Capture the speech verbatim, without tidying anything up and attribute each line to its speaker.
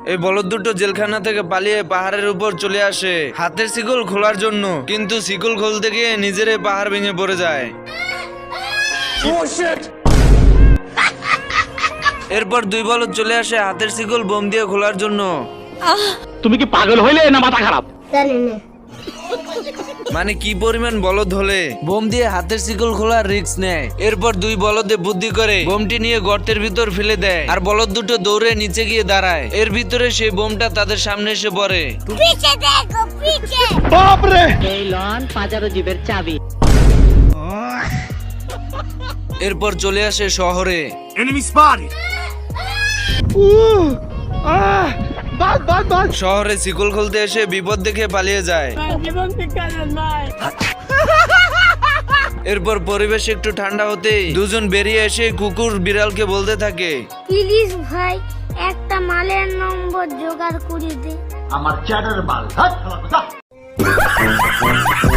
Speaker 1: এই বলদ দুটো জেলখানা থেকে পালিয়ে পাহাড়ের উপর চলে আসে হাতের শিকল খোলার জন্য, কিন্তু শিকল খুলতে গিয়ে নিজেরাই পাহাড় ভেঙে পড়ে যায়। এরপর দুই বলদ চলে আসে হাতের শিকল বোম দিয়ে খোলার জন্য।
Speaker 2: তুমি কি পাগল হইলে না মাথা খারাপ?
Speaker 1: মানে কি পরিমাণ বলদ হলে বোম দিয়ে হাতের শিকল খোলার রিস্ক নেয়। এরপর দুই বলদে বুদ্ধি করে বোমটি নিয়ে গর্তের ভিতর ফেলে দেয়, আর বলদ দুটো দৌড়ে নিচে গিয়ে দাঁড়ায়। এর ভিতরে সেই বোমটা তাদের সামনে এসে পড়ে।
Speaker 3: এই লন পাজারো জিবের চাবি।
Speaker 1: এরপর চলে আসে শহরে। শহরে শিকল খুলতে এসে বিপদ দেখে পালিয়ে যায়। এরপর পরিবেশ একটু ঠান্ডা হতেই দুজন বেরিয়ে এসে কুকুর বিড়ালকে বলতে থাকে,
Speaker 4: প্লিজ ভাই একটা মালের নম্বর জোগাড় করে দে।
Speaker 2: আমার চ্যাটার মাল।